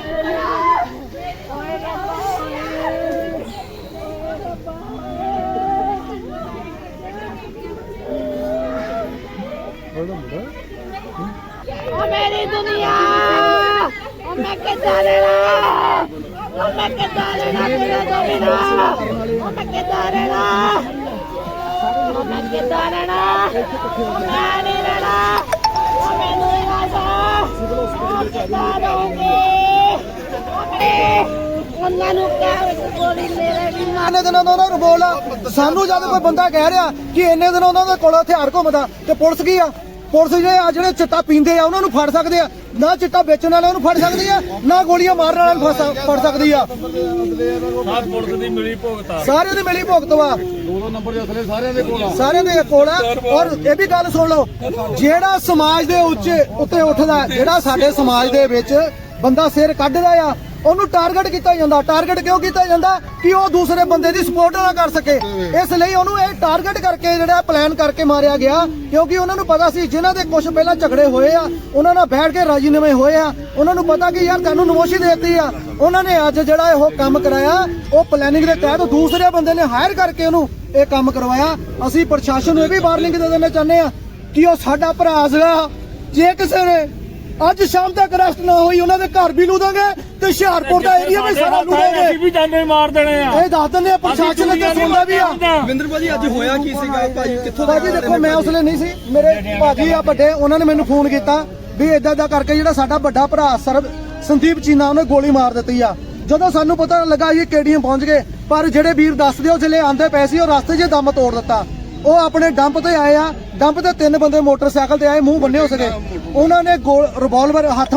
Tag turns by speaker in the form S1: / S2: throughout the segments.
S1: मेरी दुनिया मैं कितना लेना मैं कितना लेना तेरा तो बिना मैं कितना लेना मैं कितना लेना मैं नहीं लेना मैं नहीं लेना मैं कितना दूंगी ਉਹਨਾਂ ਨੂੰ ਕਹਿ ਗੋਲੀ ਮੇਰੇ ਵੀ
S2: ਇੰਨੇ ਦਿਨਾਂ ਦਾ ਉਹਨਾਂ ਨੂੰ ਬੋਲ ਸਾਨੂੰ ਜਦ ਕੋਈ ਬੰਦਾ ਕਹਿ ਰਿਹਾ ਕਿ ਇੰਨੇ ਦਿਨ ਉਹਨਾਂ ਦੇ ਕੋਲ ਹਥਿਆਰ ਘੁੰਮਦਾ ਤੇ ਪੁਲਿਸ ਕੀ ਆ ਪੁਲਿਸ ਜਿਹੜੇ ਚਿੱਟਾ ਪੀਂਦੇ ਆ ਉਹਨਾਂ ਨੂੰ ਫੜ ਸਕਦੇ ਆ ਨਾ ਚਿੱਟਾ ਵੇਚਣ ਵਾਲਿਆਂ ਨੂੰ ਫੜ ਸਕਦੀ ਆ ਨਾ ਗੋਲੀਆਂ ਮਾਰਨ ਵਾਲਿਆਂ ਨੂੰ ਫੜ ਸਕਦੀ ਆ
S3: ਪੁਲਿਸ ਦੀ ਮਿਲੀ ਭੁਗਤ ਆ
S2: ਸਾਰਿਆਂ ਦੀ ਮਿਲੀ ਭੁਗਤ ਵਾ
S3: ਦੋ ਨੰਬਰ ਦੇ ਅਸਲੇ
S2: ਸਾਰਿਆਂ ਦੇ ਕੋਲ ਆ ਔਰ ਇਹ ਵੀ ਗੱਲ ਸੁਣ ਲਓ ਜਿਹੜਾ ਸਮਾਜ ਦੇ ਉੱਤੇ ਉੱਠਦਾ ਜਿਹੜਾ ਸਾਡੇ ਸਮਾਜ ਦੇ ਵਿੱਚ ਬੰਦਾ ਸਿਰ ਕੱਢਦਾ ਆ ਉਹਨੂੰ ਟਾਰਗੇਟ ਕੀਤਾ ਜਾਂਦਾ ਟਾਰਗੇਟ ਕਿਉਂ ਕੀਤਾ ਜਾਂਦਾ ਕਿ ਉਹ ਦੂਸਰੇ ਬੰਦੇ ਦੀ ਸਪੋਰਟ ਨਾ ਕਰ ਸਕੇ ਇਸ ਲਈ ਉਹਨੂੰ ਇਹ ਟਾਰਗੇਟ ਕਰਕੇ ਜਿਹੜਾ ਪਲਾਨ ਕਰਕੇ ਮਾਰਿਆ ਗਿਆ ਕਿਉਂਕਿ ਉਹਨਾਂ ਨੂੰ ਪਤਾ ਸੀ ਜਿਨ੍ਹਾਂ ਦੇ ਕੁਝ ਪਹਿਲਾਂ ਝਗੜੇ ਹੋਏ ਆ ਉਹਨਾਂ ਨਾਲ ਬੈਠ ਕੇ ਰਾਜੀਨਾਮੇ ਹੋਏ ਆ ਉਹਨਾਂ ਨੂੰ ਪਤਾ ਕਿ ਯਾਰ ਤੁਹਾਨੂੰ ਨਮੋਸ਼ੀ ਦੇਤੀ ਆ ਉਹਨਾਂ ਨੇ ਅੱਜ ਜਿਹੜਾ ਇਹ ਕੰਮ ਕਰਾਇਆ ਉਹ ਪਲੈਨਿੰਗ ਦੇ ਤਹਿਤ ਦੂਸਰੇ ਬੰਦੇ ਨੇ ਹਾਇਰ ਕਰਕੇ ਉਹਨੂੰ ਇਹ ਕੰਮ ਕਰਵਾਇਆ ਅਸੀਂ ਪ੍ਰਸ਼ਾਸਨ ਨੂੰ ਇਹ ਵੀ ਵਾਰਨਿੰਗ ਦੇ ਦੇਣਾ ਚਾਹੁੰਦੇ ਆ ਕਿ ਉਹ ਸਾਡਾ ਭਰਾ ਸੀਗਾ ਜੇ ਕਿਸੇ ਨੇ ਅੱਜ ਸ਼ਾਮ ਤੱਕ ਅਰੈਸਟ ਨਾ ਹੋਈ ਉਹਨਾਂ ਦੇ ਘਰ ਵੀ ਲੂਦਾਂਗੇ ਤੇ ਹੁਸ਼ਿਆਰਪੁਰ ਦਾ ਏਰੀਆ ਵੀ ਸਾਰਾ ਲੂਦਾਂਗੇ
S3: ਅਸੀਂ ਵੀ ਜਾਨੇ ਮਾਰ ਦੇਣੇ ਆ
S2: ਇਹ ਦੱਸ ਦਿੰਦੇ ਆ ਪ੍ਰਸ਼ਾਸਨ ਤੇ ਸੁਣਦਾ ਵੀ ਆ
S4: ਵਿੰਦਰ ਭਾਜੀ ਅੱਜ ਹੋਇਆ ਕੀ ਸੀਗਾ ਭਾਜੀ ਕਿੱਥੋਂ
S2: ਭਾਜੀ ਦੇਖੋ ਮੈਂ ਉਸ ਵੇਲੇ ਨਹੀਂ ਸੀ ਮੇਰੇ ਭਾਜੀ ਆ ਵੱਡੇ ਉਹਨਾਂ ਨੇ ਮੈਨੂੰ ਫੋਨ ਕੀਤਾ ਵੀ ਇਦਾਂ ਦਾ ਕਰਕੇ ਜਿਹੜਾ ਸਾਡਾ ਵੱਡਾ ਭਰਾ ਸੰਦੀਪ ਚੀਨਾ ਉਹਨੇ ਗੋਲੀ ਮਾਰ ਦਿੱਤੀ ਆ ਜਦੋਂ ਸਾਨੂੰ ਪਤਾ ਲੱਗਾ ਇਹ KDM ਪਹੁੰਚ ਗਏ ਪਰ ਜਿਹੜੇ ਵੀਰ ਦੱਸਦੇ ਉਹ ਜਿਹੜੇ ਆਂਦੇ ਪਏ ਸੀ ਉਹ ਰਸਤੇ 'ਚ ਦਮ ਤੋੜ ਦਿੱਤਾ ਉਹ ਆਪਣੇ ਡੰਪ ਤੇ ਆਏ ਆ ਡੰਪ ਤੇ 3 ਬੰਦੇ ਮੋਟਰਸਾਈਕਲ ਤੇ ਆਏ ਮੂੰਹ ਬੰਨੇ ਹੋ ਸਕੇ ਉਹਨਾਂ ਨੇ ਰਿਵਾਲਵਰ ਹੱਥ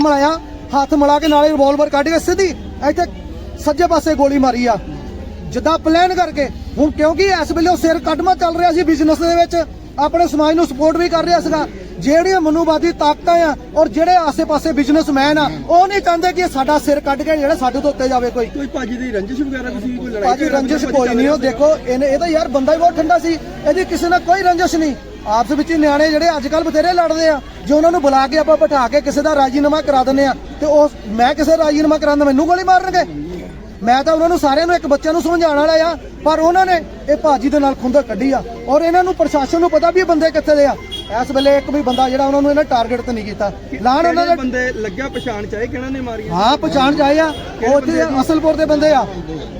S2: ਮਿਲਾ ਕੇ ਨਾਲੇ ਰਿਵਾਲਵਰ ਕੱਢ ਕੇ ਸਿੱਧੀ ਇੱਥੇ ਸੱਜੇ ਪਾਸੇ ਗੋਲੀ ਮਾਰੀ ਆ ਜਿੱਦਾਂ ਪਲਾਨ ਕਰਕੇ ਹੁਣ ਕਿਉਂਕਿ ਇਸ ਵੇਲੇ ਉਹ ਸਿਰ ਕੱਢਮਾ ਚੱਲ ਰਿਹਾ ਸੀ ਬਿਜ਼ਨਸ ਦੇ ਵਿੱਚ ਆਪਣੇ ਸਮਾਜ ਨੂੰ ਸਪੋਰਟ ਵੀ ਕਰ ਰਿਹਾ ਸੀਗਾ ਜਿਹੜੀਆਂ ਮਨੂਵਾਦੀ ਤਾਕਤਾਂ ਆ ਔਰ ਜਿਹੜੇ ਆਸੇ-ਪਾਸੇ ਬਿਜ਼ਨਸਮੈਨ ਆ ਉਹ ਨਹੀਂ ਚਾਹੁੰਦੇ ਕਿ ਸਾਡਾ ਸਿਰ ਕੱਢ ਕੇ ਜਿਹੜਾ ਸਾਡੇ ਤੋਂ ਉੱਤੇ ਜਾਵੇ ਕੋਈ
S4: ਭਾਜੀ ਦੀ ਰੰਜਿਸ਼ ਵਗੈਰਾ ਕੋਈ ਲੜਾਈ
S2: ਭਾਜੀ ਰੰਜਿਸ਼ ਕੋਈ ਨਹੀਂ ਉਹ ਦੇਖੋ ਇਹ ਤਾਂ ਯਾਰ ਬੰਦਾ ਹੀ ਬਹੁਤ ਠੰਡਾ ਸੀ ਇਹਦੀ ਕਿਸੇ ਨਾਲ ਕੋਈ ਰੰਜਿਸ਼ ਨਹੀਂ ਆਪਸ ਵਿੱਚ ਹੀ ਨਿਆਣੇ ਜਿਹੜੇ ਅੱਜ ਕੱਲ ਬਥੇਰੇ ਲੜਦੇ ਆ ਜੇ ਉਹਨਾਂ ਨੂੰ ਬੁਲਾ ਕੇ ਆਪਾਂ ਬਿਠਾ ਕੇ ਕਿਸੇ ਦਾ ਰਾਜੀਨਾਮਾ ਕਰਾ ਦਿੰਦੇ ਆ ਤੇ ਉਹ ਮੈਂ ਕਿਸੇ ਰਾਜੀਨਾਮਾ ਕਰਾਉਂਦਾ ਮੈਨੂੰ ਗੋਲੀ ਮਾਰਨਗੇ ਮੈਂ ਤਾਂ ਉਹਨਾਂ ਨੂੰ ਸਾਰਿਆਂ ਨੂੰ ਇੱਕ ਬੱਚੇ ਨੂੰ ਸਮਝਾਉਣ ਵਾਲਾ ਆ ਪਰ ਉਹਨਾਂ ਨੇ ਇਹ ਭਾਜੀ ਦੇ ਨਾਲ ਖੁੰਦਕ ਕੱਢੀ ਆ ਔਰ ਇਹਨਾਂ ਨੂੰ ਪ੍ਰਸ਼ਾਸਨ ਨੂੰ ਪਤਾ ਵੀ ਇਹ ਬੰਦੇ ਕਿੱਥੇ ਦੇ ਆ ਇਸ ਵੇਲੇ ਇੱਕ ਵੀ ਬੰਦਾ ਜਿਹੜਾ ਉਹਨਾਂ ਨੂੰ ਇਹਨਾਂ ਟਾਰਗੇਟ ਤੇ ਨਹੀਂ ਕੀਤਾ ਲਾਣ ਉਹਨਾਂ ਦੇ
S4: ਬੰਦੇ ਲੱਗਿਆ ਪਛਾਣ ਚਾਹੇ ਕਿਹਨਾਂ ਨੇ ਮਾਰੀ
S2: ਹਾਂ ਪਛਾਣ ਚਾਹੇ ਆ ਉਹ ਉੱਥੇ ਅਸਲਪੁਰ ਦੇ ਬੰਦੇ ਆ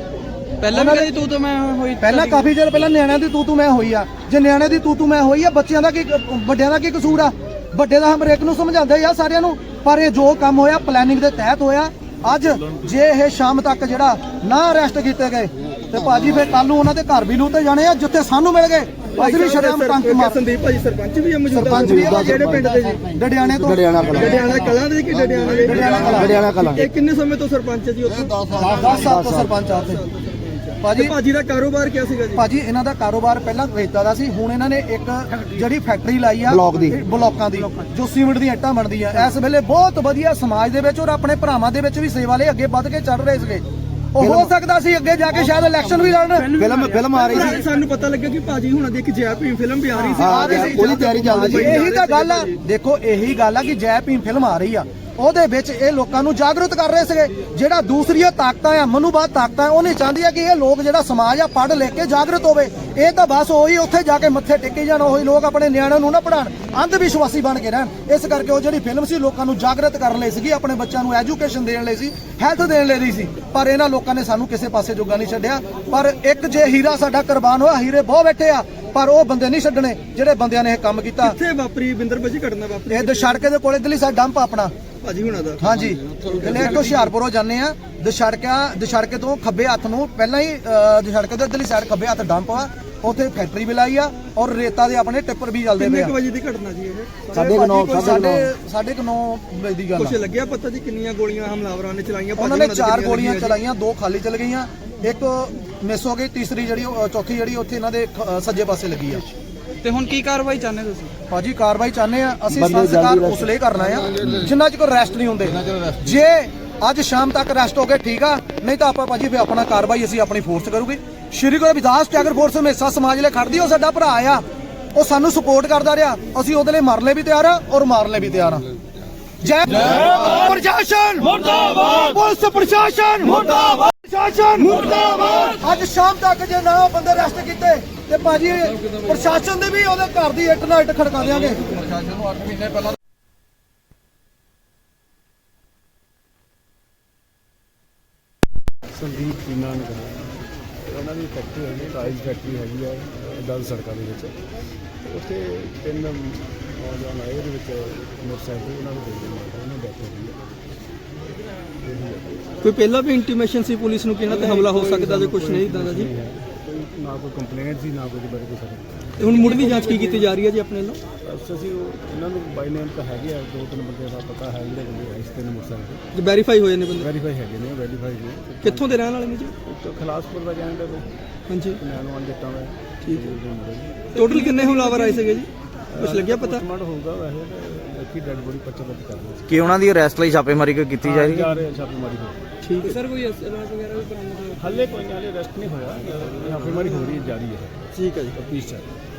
S4: ਪਹਿਲਾਂ ਵੀ ਤੂੰ ਮੈਂ ਹੋਈ
S2: ਪਹਿਲਾਂ ਕਾਫੀ ਚਿਰ ਪਹਿਲਾਂ ਨਿਆਣਿਆਂ ਦੀ ਤੂੰ ਮੈਂ ਹੋਈ ਆ ਜੇ ਨਿਆਣਿਆਂ ਦੀ ਤੂੰ ਮੈਂ ਹੋਈ ਆ ਬੱਚਿਆਂ ਦਾ ਕੀ ਵੱਡਿਆਂ ਦਾ ਕੀ ਕਸੂਰ ਆ ਵੱਡੇ ਦਾ ਹਮਰੇਕ ਨੂੰ ਸਮਝਾਉਂਦੇ ਆ ਸਾਰਿਆਂ ਨੂੰ ਪਰ ਇਹ ਜੋ ਕੰਮ ਹੋਇਆ ਪਲੈਨਿੰਗ ਦੇ ਤਹਿਤ ਹੋਇਆ ਅੱਜ ਜੇ ਇਹ ਸ਼ਾਮ ਤੱਕ ਜਿਹੜਾ ਨਾ ਅਰੈਸਟ ਕੀਤੇ ਗਏ ਤੇ ਭਾਜੀ ਫਿਰ ਕੱਲ ਨੂੰ ਉਹਨਾਂ ਦੇ ਘਰ ਵੀ ਲੂਤੇ ਜਾਣੇ ਆ ਜਿੱਥੇ ਸਾਨੂੰ ਮਿਲ ਗਏ ਅਸੀਂ ਵੀ ਸ਼ਰਮ ਟੰਕ ਮਾਰ
S4: ਸੰਦੀਪ ਭਾਜੀ ਸਰਪੰਚ ਵੀ ਮੌਜੂਦਾ
S2: ਸਰਪੰਚ ਵੀ ਆ
S4: ਜਿਹੜੇ ਪਿੰਡ ਦੇ ਜੀ
S2: ਡੜਿਆਣੇ ਤੋਂ
S4: ਡੜਿਆਣਾ ਕਲਾਂ ਦੇ ਕਿ ਡੜਿਆਣਾ ਕਲਾਂ ਇਹ ਕਿੰਨੇ ਸਮੇਂ ਤੋਂ ਸਰਪੰਚ ਜੀ ਉੱਥੇ
S2: 10 ਸਾਲ ਤੋਂ ਸਰਪੰਚ ਆ ਉੱਥੇ
S4: ਭਾਜੀ ਦਾ ਕਾਰੋਬਾਰ ਕੀ ਸੀਗਾ ਜੀ
S2: ਭਾਜੀ ਇਹਨਾਂ ਦਾ ਕਾਰੋਬਾਰ ਪਹਿਲਾਂ ਰੇਤਾ ਦਾ ਸੀ ਹੁਣ ਇਹਨਾਂ ਨੇ ਇੱਕ ਜਿਹੜੀ ਫੈਕਟਰੀ ਲਾਈ ਆ ਬਲੌਕਾਂ ਦੀ ਜੋ ਸੀਮਿੰਟ ਦੀਆਂ ਇੱਟਾਂ ਬਣਦੀਆਂ ਇਸ ਵੇਲੇ ਬਹੁਤ ਵਧੀਆ ਸਮਾਜ ਦੇ ਵਿੱਚ ਔਰ ਆਪਣੇ ਭਰਾਵਾਂ ਦੇ ਵਿੱਚ ਵੀ ਸੇਵਾ ਲਈ ਅੱਗੇ ਵੱਧ ਕੇ ਚੱਲ ਰਹੇ ਸੀਗੇ ਉਹ ਹੋ ਸਕਦਾ ਸੀ ਅੱਗੇ ਜਾ ਕੇ ਸ਼ਾਇਦ ਇਲੈਕਸ਼ਨ ਵੀ ਲੜਨ ਫਿਲਮ ਆ ਰਹੀ ਸੀ
S4: ਸਾਨੂੰ ਪਤਾ ਲੱਗਿਆ ਕਿ ਭਾਜੀ ਹੁਣਾਂ ਦੀ ਇੱਕ ਜੈ ਭੀਮ ਫਿਲਮ ਵੀ ਆ ਰਹੀ ਸੀ
S2: ਉਹਦੀ ਤਿਆਰੀ ਚੱਲਦੀ ਸੀ ਇਹੀ ਤਾਂ ਗੱਲ ਆ ਦੇਖੋ ਇਹੀ ਗੱਲ ਆ ਕਿ ਜੈ ਭੀਮ ਫਿਲਮ ਆ ਰਹੀ ਆ ਉਹਦੇ ਵਿੱਚ ਇਹ ਲੋਕਾਂ ਨੂੰ ਜਾਗਰੂਕ ਕਰ ਰਹੇ ਸੀਗੇ ਜਿਹੜਾ ਦੂਸਰੀਆਂ ਤਾਕਤਾਂ ਆ ਮਨੂਵਾਦ ਤਾਕਤਾਂ ਉਹ ਨਹੀਂ ਚਾਹੁੰਦੀਆਂ ਕਿ ਇਹ ਲੋਕ ਜਿਹੜਾ ਸਮਾਜ ਆ ਪੜ੍ਹ ਲਿਖ ਕੇ ਜਾਗਰੂਕ ਹੋਵੇ ਇਹ ਤਾਂ ਬਸ ਉਹੀ ਉੱਥੇ ਜਾ ਕੇ ਮੱਥੇ ਟੇਕੇ ਜਾਣ ਉਹੀ ਲੋਕ ਆਪਣੇ ਨਿਆਣਿਆਂ ਨੂੰ ਨਾ ਪੜ੍ਹਾਉਣ ਅੰਧ ਵਿਸ਼ਵਾਸੀ ਬਣ ਕੇ ਰਹਿਣ ਇਸ ਕਰਕੇ ਉਹ ਜਿਹੜੀ ਫਿਲਮ ਸੀ ਲੋਕਾਂ ਨੂੰ ਜਾਗਰੂਕ ਕਰਨ ਲਈ ਸੀਗੀ ਆਪਣੇ ਬੱਚਿਆਂ ਨੂੰ ਐਜੂਕੇਸ਼ਨ ਦੇਣ ਲਈ ਸੀ ਹੈਲਥ ਦੇਣ ਲਈ ਸੀ ਪਰ ਇਹਨਾਂ ਲੋਕਾਂ ਨੇ ਸਾਨੂੰ ਕਿਸੇ ਪਾਸੇ ਜੋਗਾ ਨਹੀਂ ਛੱਡਿਆ ਪਰ ਇੱਕ ਜੇ ਹੀਰਾ ਸਾਡਾ ਕੁਰਬਾਨ ਹੋਇਆ ਹੀਰੇ ਬਹੁਤ ਬੈਠੇ ਆ ਪਰ ਉਹ ਬੰਦੇ ਨਹੀਂ ਛੱਡਣੇ ਜਿਹੜੇ ਬੰਦਿਆਂ ਨੇ ਇਹ ਕੰਮ ਕੀਤਾ
S4: ਕਿੱਥੇ ਵਾਪਰੀ ਵਿੰਦਰ ਭਾਜੀ ਘਟਨਾ ਵਾਪਰੀ
S2: ਇਹ ਦਸ਼ੜਕੇ ਦੇ ਕੋਲੇ ਦਿੱਲੀ ਸਾਡਾ ਡੰਪ ਆਪਣਾ
S4: ਭਾਜੀ ਹੁਣਾਂ ਦਾ
S2: ਹਾਂਜੀ ਇਹਨੇ ਹੁਸ਼ਿਆਰਪੁਰੋਂ ਜਾਂਦੇ ਆ ਦਸ਼ੜਕੇ ਤੋਂ ਖੱਬੇ ਹੱਥ ਨੂੰ ਪਹਿਲਾਂ ਹੀ ਦਸ਼ੜਕੇ ਦੇ ਇੱਧਰਲੀ ਸਾਈਡ ਖੱਬੇ ਹੱਥ ਡੰਪ ਆ ਉੱਥੇ ਫੈਕਟਰੀ ਵੀ ਲਾਈ ਆ ਔਰ ਰੇਤਾ ਦੇ ਆਪਣੇ ਟਿੱਪਰ ਵੀ ਚੱਲਦੇ ਪਏ ਆ।
S4: ਕਿੰਨੇ ਵਜੇ ਦੀ ਘਟਨਾ ਜੀ ਇਹ?
S2: 9:30 ਵਜੇ ਦੀ ਗੱਲ
S4: ਕੁਝ ਲੱਗਿਆ ਪਤਾ ਜੀ ਕਿੰਨੀਆਂ ਗੋਲੀਆਂ ਹਮਲਾਵਰਾਂ ਨੇ ਚਲਾਈਆਂ?
S2: ਉਹਨਾਂ ਨੇ 4 ਗੋਲੀਆਂ ਚਲਾਈਆਂ 2 ਖਾਲੀ ਚਲ ਗਈਆਂ ਇੱਕ ਮਿਸ ਹੋ ਗਈ ਤੀਸਰੀ ਜਿਹੜੀ ਚੌਥੀ ਜਿਹੜੀ ਉੱਥੇ ਇਹਨਾਂ ਦੇ ਸੱਜੇ ਪਾਸੇ ਲੱਗੀ ਆ।
S4: ਤੇ ਹੁਣ ਕੀ ਕਾਰਵਾਈ ਚਾਹੁੰਦੇ ਤੁਸੀਂ?
S2: ਭਾਜੀ ਕਾਰਵਾਈ ਚਾਹੁੰਦੇ ਆ ਅਸੀਂ ਸੰਸਕਾਰ ਉਸ ਲਈ ਕਰਨਾ ਆ ਜਿੰਨਾ ਚਿਰ ਅਰੈਸਟ ਨਹੀਂ ਹੁੰਦੇ ਜੇ ਅੱਜ ਸ਼ਾਮ ਤੱਕ ਅਰੈਸਟ ਹੋ ਗਏ ਠੀਕ ਆ ਨਹੀਂ ਤਾਂ ਆਪਾਂ ਭਾਜੀ ਫਿਰ ਆਪਣਾ ਕਾਰਵਾਈ ਅਸੀਂ ਆਪਣੀ ਫੋਰਸ ਕਰੂਗੇ ਸ਼੍ਰੀ ਗੁਰੂ ਰਵਿਦਾਸ ਟੈਗਰ ਫੋਰਸ ਹਮੇਸ਼ਾ ਸਮਾਜ ਲਈ ਖੜਦੀ ਉਹ ਸਾਡਾ ਭਰਾ ਆ ਉਹ ਸਾਨੂੰ ਸਪੋਰਟ ਕਰਦਾ ਰਿਹਾ ਅਸੀਂ ਉਹਦੇ ਲਈ ਮਰਨ ਲਈ ਵੀ ਤਿਆਰ ਆ ਔਰ ਮਾਰਨ ਲਈ ਵੀ ਤਿਆਰ ਆ ਜੈ ਪ੍ਰਸ਼ਾਸਨ ਮੁਰਦਾਬਾਦ, ਪੁਲਿਸ ਪ੍ਰਸ਼ਾਸਨ ਮੁਰਦਾਬਾਦ, ਪ੍ਰਸ਼ਾਸਨ ਮੁਰਦਾਬਾਦ। ਅੱਜ ਸ਼ਾਮ ਤੱਕ ਜੇ ਨਾ ਬੰਦੇ ਅਰੈਸਟ ਕੀਤੇ ਤੇ ਭਾਜੀ ਪ੍ਰਸ਼ਾਸਨ ਦੇ ਵੀ ਉਹਦੇ ਘਰ ਦੀ ਇੱਟ ਨਾਲ ਇੱਟ ਖੜਕਾ ਦੇਵਾਂਗੇ। ਪ੍ਰਸ਼ਾਸਨ ਨੂੰ 8 ਮਹੀਨੇ ਪਹਿਲਾਂ
S3: ਸੰਦੀਪ ਚੀਨਾ ਨੇ ਉਹਨਾਂ ਦੀ ਫੈਕਟਰੀ ਹੈਗੀ, ਟਾਈਲ ਫੈਕਟਰੀ ਹੈਗੀ ਆ ਦਲ ਸੜਕਾਂ ਦੇ ਵਿੱਚ। ਉੱਥੇ 3 ਨੌਜਵਾਨ ਆਏ, ਉਹਦੇ ਵਿੱਚ ਮੋਟਰਸਾਈਕਲ ਉਹਨਾਂ ਨੂੰ ਦੇ ਦਿੰਦੇ, ਉਹਨਾਂ ਡੈਥ ਹੋ ਗਈ ਹੈ।
S4: ਕੋਈ ਪਹਿਲਾਂ ਵੀ ਇੰਟੀਮੇਸ਼ਨ ਸੀ ਪੁਲਿਸ ਨੂੰ ਕਿ ਇਹਨਾਂ ਤੇ ਹਮਲਾ ਹੋ ਸਕਦਾ ਜਾਂ ਕੁਝ ਨਹੀਂ ਇਦਾਂ ਦਾ ਜੀ?
S3: ਕੋਈ ਨਾ ਕੋਈ ਕੰਪਲੇਂਟ ਸੀ, ਨਾ ਕੋਈ ਬਾਰੇ ਕੋਈ ਸਰਟੀਫਿਕੇਟ।
S4: ਤੇ ਹੁਣ ਮੁੱਢਲੀ ਜਾਂਚ ਕੀ ਕੀਤੀ ਜਾ ਰਹੀ ਹੈ ਜੀ ਆਪਣੇ ਵੱਲੋਂ?
S3: ਬਸ ਅਸੀਂ ਇਹਨਾਂ ਨੂੰ ਬਾਈ ਨੇਮ ਤਾਂ ਹੈਗੇ ਆ, 2-3 ਬੰਦੇ ਦਾ ਪਤਾ ਹੈ, ਜਿਹੜੇ ਬੰਦੇ ਇਸ 3 ਮੋਟਰਸਾਈਕਲ
S4: ਜੇ ਵੈਰੀਫਾਈ ਹੋਏ ਨੇ ਬੰਦੇ?
S3: ਵੈਰੀਫਾਈ ਹੈਗੇ ਨੇ, ਵੈਰੀਫਾਈ ਨੇ।
S4: ਕਿੱਥੋਂ ਦੇ ਰਹਿਣ ਵਾਲੇ ਨੇ ਜੀ?
S3: ਇੱਕ ਖਲਾਸਪੁਰ ਦਾ ਕਹਿੰਦੇ ਨੇ,
S4: ਹਾਂਜੀ
S3: ਨੈਣਵਾਲ ਜੱਟਾਂ ਦਾ।
S4: ਠੀਕ ਹੈ। ਟੋਟਲ ਕਿੰਨੇ ਹਮਲਾਵਰ ਆਏ ਸੀਗੇ ਜੀ, ਕੁਝ ਲੱਗਿਆ ਪਤਾ?
S3: ਪੋਸਟਮਾਰਟ ਹੋਊਗਾ ਵੈਸੇ ਤਾਂ ਬਾਕੀ ਡੈਡ ਬੋਡੀ ਪਰਚਾ ਦਰਜ ਕਰ ਲਿਆ।
S5: ਕਿ ਉਹਨਾਂ ਦੀ ਅਰੈਸਟ ਲਈ ਛਾਪੇਮਾਰੀ ਕੋਈ ਕੀਤੀ ਜਾ ਰਹੀ ਹੈ?
S3: ਜਾ ਰਹੇ ਛਾਪੇਮਾਰੀ ਹੋ
S4: ਠੀਕ ਹੈ ਸਰ। ਕੋਈ ਅਸਲਾਹ ਵਗੈਰਾ ਵੀ ਬਰਾਮਦ ਹੋਇਆ?
S3: ਹਾਲੇ ਕੋਈ ਨਹੀਂ, ਹਾਲੇ ਅਰੈਸਟ ਨਹੀਂ ਹੋਇਆ, ਛਾਪੇਮਾਰੀ ਹੋ ਰਹੀ ਹੈ, ਜਾਰੀ ਹੈ।
S4: ਠੀਕ ਹੈ ਜੀ।
S3: ਤਫਤੀਸ਼ ਚੱਲ ਰਹੀ ਹੈ।